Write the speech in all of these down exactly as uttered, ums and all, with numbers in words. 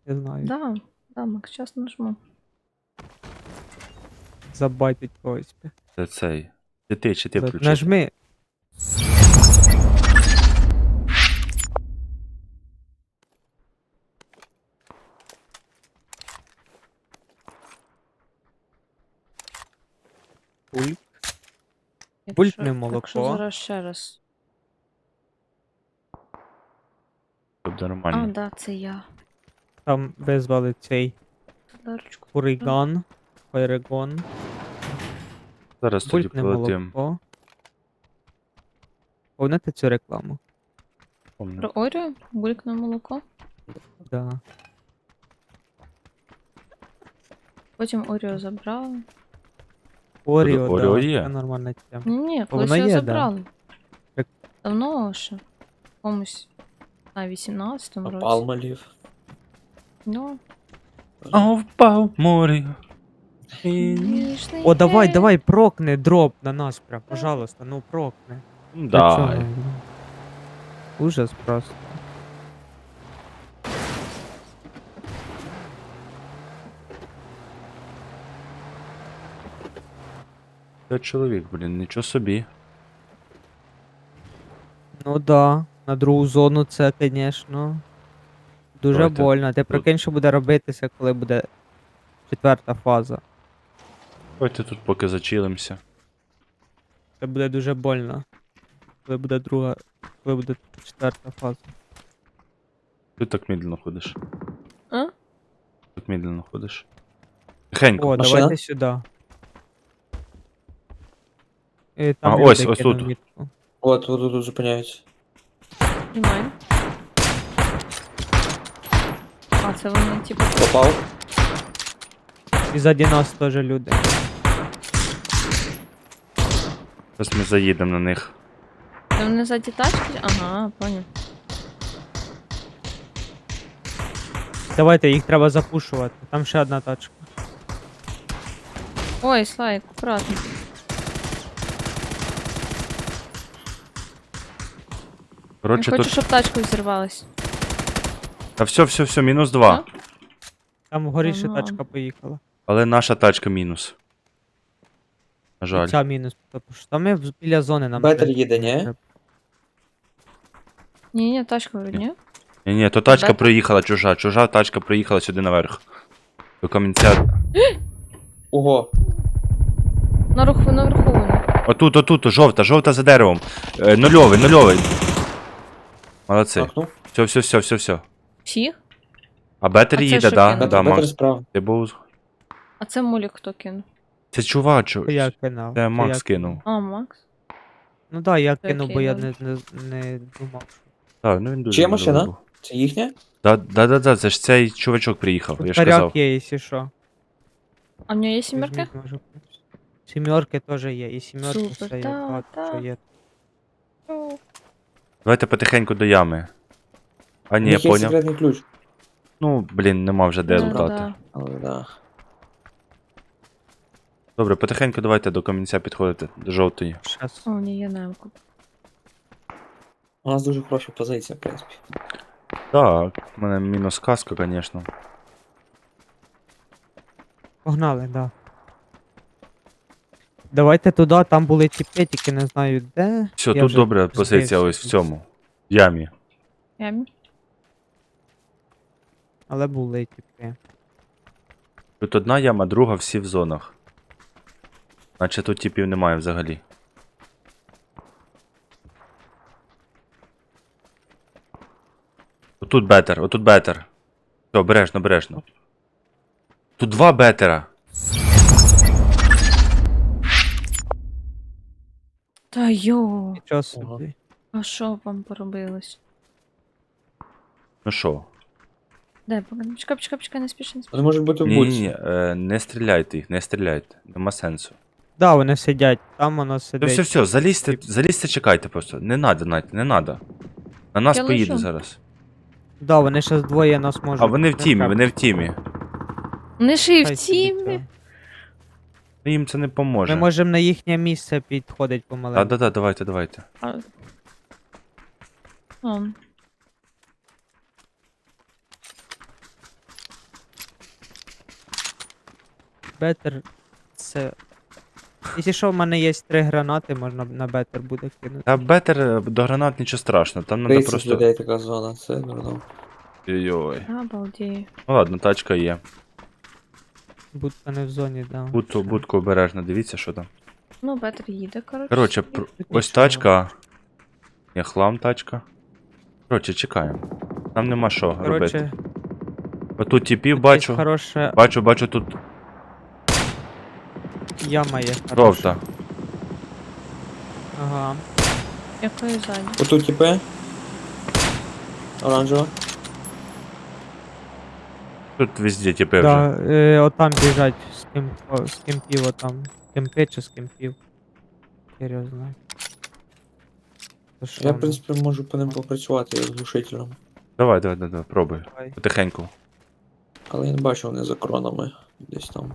Я знаю. Да, да, Макс, сейчас нажму. Забайтить когось. Це цей. Чи ти, чи ти За- включив? Нажми. Пульт. Бультне Якщо- молоко. Якщо зараз ще раз. Тобто А, нормально. да, це я. Там визвали цей Дарочку. Фуриган. Файрегон. Зараз тоді Бультне полетим. молоко. Помните цю рекламу? Помню. Про Орію? Булькне молоко. Да. Потім Орію забрали. Оріо, Оріо да. є? Це нормальна тема. Ні, ні, О, колись воно його є, да. забрали. Так. Давно ще. Комусь на вісімнадцятому А році. Палмолів. Ну, А впав в морі. ніжний О, давай, день. давай, прокни дроп на нас прям, пожалуйста, ну прокни. Для цього, Дай. ну. Ужас просто. Це чоловік, блін, нічого собі. Ну да, на другу зону це, звісно, дуже Давайте. больно. Ти прикинь, що буде робитися, коли буде четверта фаза. Давайте тут поки зачилимося. Це буде дуже больно. Коли буде друга, коли буде четверта фаза. Ти так медленно ходиш. А? Так медленно ходиш. Тихенько. О, Машина? давайте сюди. І там А, люди ось, ось кинув тут. мітку. От, тут, тут зупиняються. Тримай. А, це вони, типу, Попав. І ззаді нас теж люди. Зараз ми заїдемо на них. це вони ззаді тачки? Ага, поняв. Давайте, їх треба запушувати. Там ще одна тачка. Ой, Слайк, аккуратно. Я Коротше, хочу, тут. щоб тачка взірвалась. Та все, все, все, мінус два. Там вгорі ще Ага. тачка поїхала. Але наша тачка мінус. На І жаль. ця мінус. Тому що там ми в- біля зони нам. Бетер треба. їде, ні? Ні, ні, тачка вроді, ні? Ні, ні, то тачка Бета? приїхала чужа. Чужа тачка приїхала сюди наверх. До камінця. Ого. На руху, наверху вони. Отут, отут, жовта, жовта за деревом. Е, нульовий, нульовий. Молодці. Макнув. Все, все, все, все, все. Всіх? А Бетер А це їде, що да, кинув? да, Бетер, Бетер Макс. справа. Ти був. А це Молік хто кинув? Це чувак, чу... Це я кинув. Це Макс я кинув. А, Макс? Ну так, да, я Це кинув, бо окей, я добре. не, не, не думав. що- Так, ну він дуже. Чия милий машина? був. Це їхня? Да, да, да, да, це ж цей чувачок приїхав, я Тут ж казав. коряк є, якщо що. А в нього є сімерки? Візьміть, може, хтось. Сімерки теж є, і сімерки Супер, все є, да, багато да. що є. Давайте потихеньку до ями. А У ні, них є поняв. секретний ключ. Ну, блін, нема вже де Да, лутати. да. Але да. Добре, потихеньку давайте до камінця підходити, до жовтої. Щас. О, ні, є немку. У нас дуже хороша позиція, в принципі. Так, у мене мінус каска, звісно. Погнали, да. Давайте туди, там були тіпи, тільки не знаю де. Все, Я тут вже добра позиція збився ось в тут. цьому. В ямі. Ямі? Але були тіпи. Тут одна яма, друга всі в зонах. Наче тут типів немає взагалі. Отут бетер, отут бетер. Все, обережно, обережно. Тут два бетера. Та йо, Нічого собі. а що вам поробилось? Ну що? Дай, поки- чекай, чекай, чекай, не спіши, не спіши. Вони можуть бути в Ні, ні, будці. ні, е, не стріляйте їх, не стріляйте. Нема сенсу. Да, вони сидять, там воно Все, сидить. все, все, залізьте, залізьте, чекайте просто. Не надо, Надь, не надо. На нас Я поїде лежу. зараз. Да, вони ще двоє нас можуть. А вони в не тімі, треба. вони в тімі. Вони ще й Хай в собі тімі. цього. Ну, їм це не поможе. Ми можемо на їхнє місце підходити помаленьку. А, да, да, давайте, давайте. А. А. бетер це. Якщо що, в мене є три гранати, можна на бетер буде кинути. Та бетер е, до гранат нічого страшного, там треба тридцять просто. людей така зона, це дурно. Ой-ой. Обалдею. Ну ладно, тачка є. Будка не в зоні, да. Будку, Все. будку обережно, дивіться, що там. Ну, бетер їде, коротше. Коротше, собі. пр- Тут ось нічого. тачка. Є хлам тачка. Коротше, чекаємо. Нам нема що робити. Коротше, Отут типів тут бачу. є хороша Бачу, бачу тут яма є. Хороша. жовта. Ага. Якої ззаді? Отут тіпи. Оранжева. Тут везде типи вже. Да, е, отам біжать з ким, о, з кемпів отам. Кемпи чи з кемпів. Серйозно. То що Я, в воно? принципі, можу по ним попрацювати як глушителем. Давай, давай, давай, давай, пробуй. Давай. Потихеньку. Але я не бачу, вони за кронами. Десь там.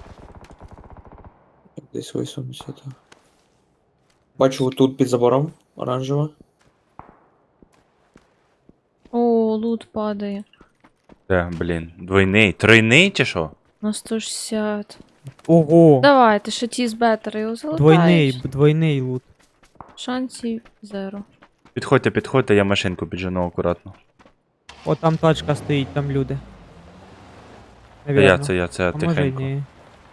Як Десь висунуться то. Бачу тут під забором. Оранжева. О, лут падає. Де, блін. Двойний. Тройний чи що? На сто шістдесят. Ого! Давайте, ще ті з бетера його залутають. Двойний, б- двойний лут. Шансів зеро. Підходьте, підходьте, я машинку піджену акуратно. О, там тачка стоїть, там люди. Це я, це я, це я А може й тихенько. ні.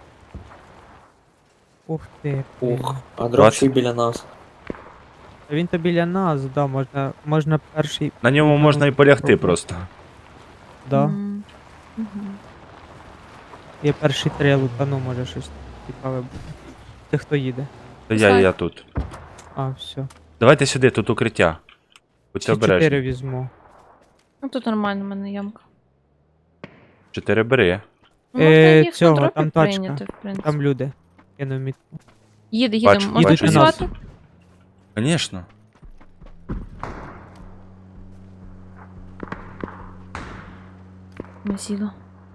Ух ти. блін. Ух, а двадцять. дроп ще й біля нас. Та він то біля нас, да, можна, можна перший, На ньому можна і полягти Пробуй. просто. да. М. Мгм. Я перший три лутану, може щось цікаве буде. Ти хто їде? Та я, я тут. А, все. Давайте сюди, тут укриття. Будьте Ці обережні. чотири візьму. Ну тут нормально, в мене ямка. Чотири бери. Ну, Е, можна їх цього, на дропі там тачка. прийняти, в принципі. Там люди. Кину мітку. Їде, їде, Бачу, можна бачу, працювати? Звісно. Мазіла.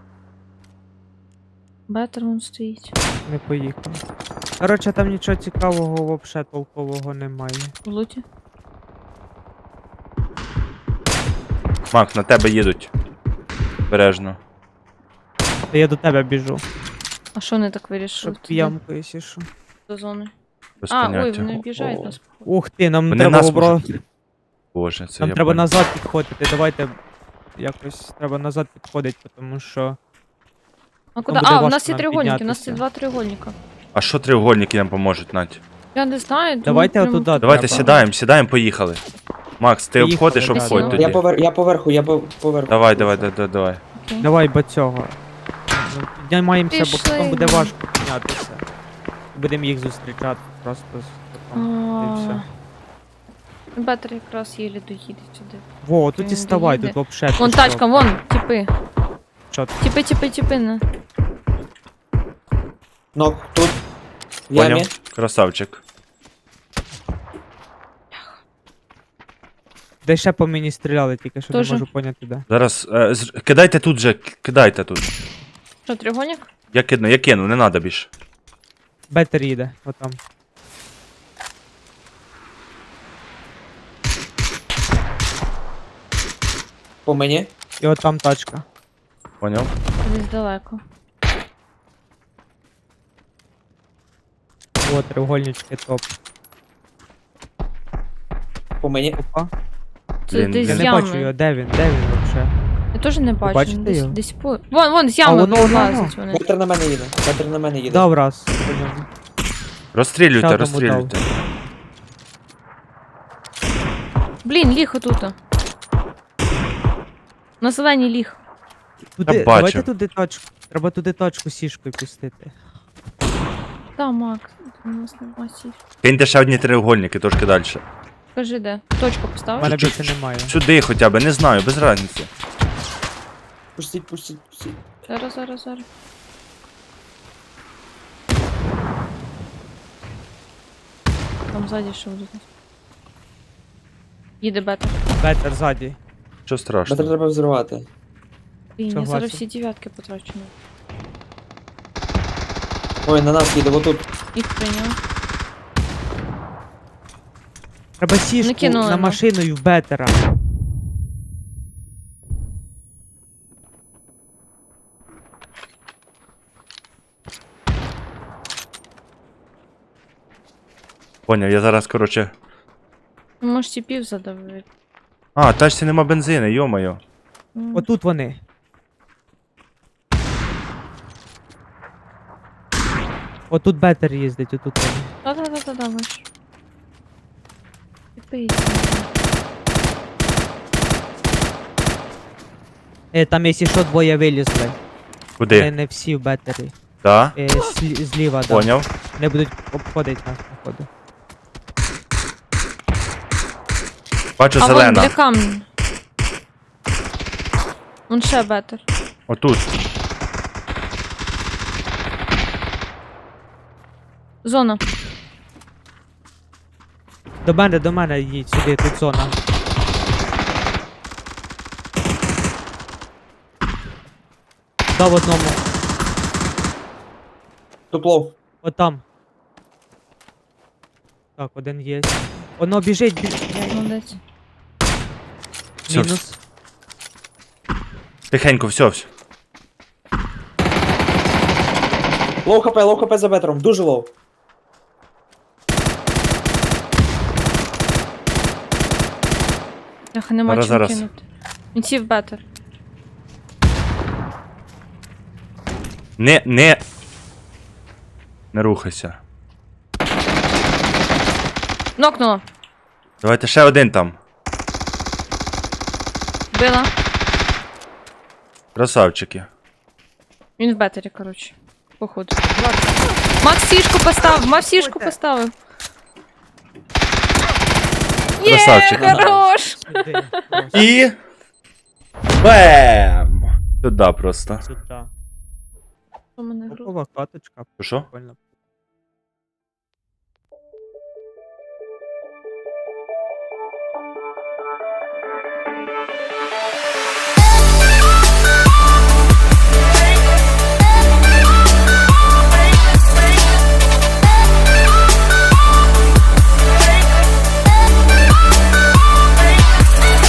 Бетер вон стоїть. Не поїхав. Коротше, там нічого цікавого вообще толкового немає. В луті. Мак, на тебе їдуть. Обережно. Та я до тебе біжу. А що вони так вирішили? Щоб туди, ямку, якщо що. До зони. Без А, ой, поняття. вони об'їжджають О. нас. Ух ти, нам Вони треба нас обро... можуть- Боже, це Нам я треба понял. назад підходити. Давайте якось треба назад підходити, тому що. А куди? буде А, у важко нас є нам треугольники, у нас є піднятися. два треугольника. А що треугольники нам поможуть, Надь? Я не знаю. думаю, Давайте прям- отуда. Давайте треба. сідаємо, сідаємо, поїхали. Макс, ти Поїхали, обходиш, да, обходь да. тоді. Я, повер... я поверху, я по- поверху. Давай, давай, давай, давай, давай. Окей. Давай бо цього. Ну, Піднімаємося, бо Пішли. потім буде важко піднятися. Будемо їх зустрічати просто з потом. І все. А, Бетер якраз єлі доїде сюди. Во, тут і Він ставай, доїде. тут вообще. Вон ти що? тачка, вон, тіпи. Що ти? Тіпи, тіпи, тіпи. на. Нок, тут. В ямі. Поняв? Красавчик. Де ще по мені стріляли, тільки що Тоже. не можу поняти де. Зараз. Е, з- кидайте тут же, к- кидайте тут. Що, треугольник? Я кину, я кину, не треба більше. Бетер їде, отам. По мені. І отам тачка. Поняв? Десь далеко. О, треугольнички топ. По мені. Опа. Це Блін, десь Я з не ями. бачу його, де він, де він вообще? Я теж не бачу. бачите ну, десь, його? десь по... Вон, вон, з ями воно, воно, вилазять вони. Бетер на мене їде. Бетер на мене їде. Дав раз. по ньому. Розстрілюйте, Ще одному розстрілюйте. Блін, ліг отут. На зеленій ліг. Туди, бачу. давайте туди точку. Треба туди точку сішкою пустити. Та, Макс, у нас не бачить. Киньте ще одні треугольники, трошки далі. Кажи де. Точку У поставиш? мене Чу- більше немає. Сюди хоча б, не знаю, без разниці. Пустіть, пустіть, пустіть. Зараз, зараз, зараз. Там ззаді що буде. Їде бетер. Бетер ззаді. Що Бетер страшного? треба взривати. Блін, я Согласен. зараз всі дев'ятки потрачу. Ой, на нас їде, отут. Їх прийняв. Треба сішку Накинули, на ну. машину і в бетера. Поняв, я зараз, короче. Ну, може, тіпів задавити. А, тачці нема бензину, йомайо. М. Отут вони. Отут бетер їздить, отут вони. Та-та-та-та, ваш. Тіпи. Е, там, якщо що, двоє вилізли. Не, Куди? не всі в бетері. Да? Е, слі- зліва, да. Поняв. Не будуть обходити нас, походу. Бачу А вон зелена. біля камня. Вон ще бетер. Отут. Зона. До мене, до мене їдь сюди, тут зона. Дав одному. Тут лов. Отам. Так, один є. Воно біжить, біжить. Молодець. Всьо, Мінус. Тихенько, все, все. Лоу хп, лоу хп за бетером. Дуже лоу. Ах, нема Зараз, чим зараз. кинути. Він сів бетер. Не, не. Не рухайся. Нокнула. Давайте ще один там. Била. Красавчики. Він в бетері, коротше. Походу. Макс сішку поставив, Макс сішку поставив. Є, Красавчик. хорош! Сюди. Просто І. Бем! Сюди просто. Сюди. У мене гру- Топова каточка. Що? Прикольно.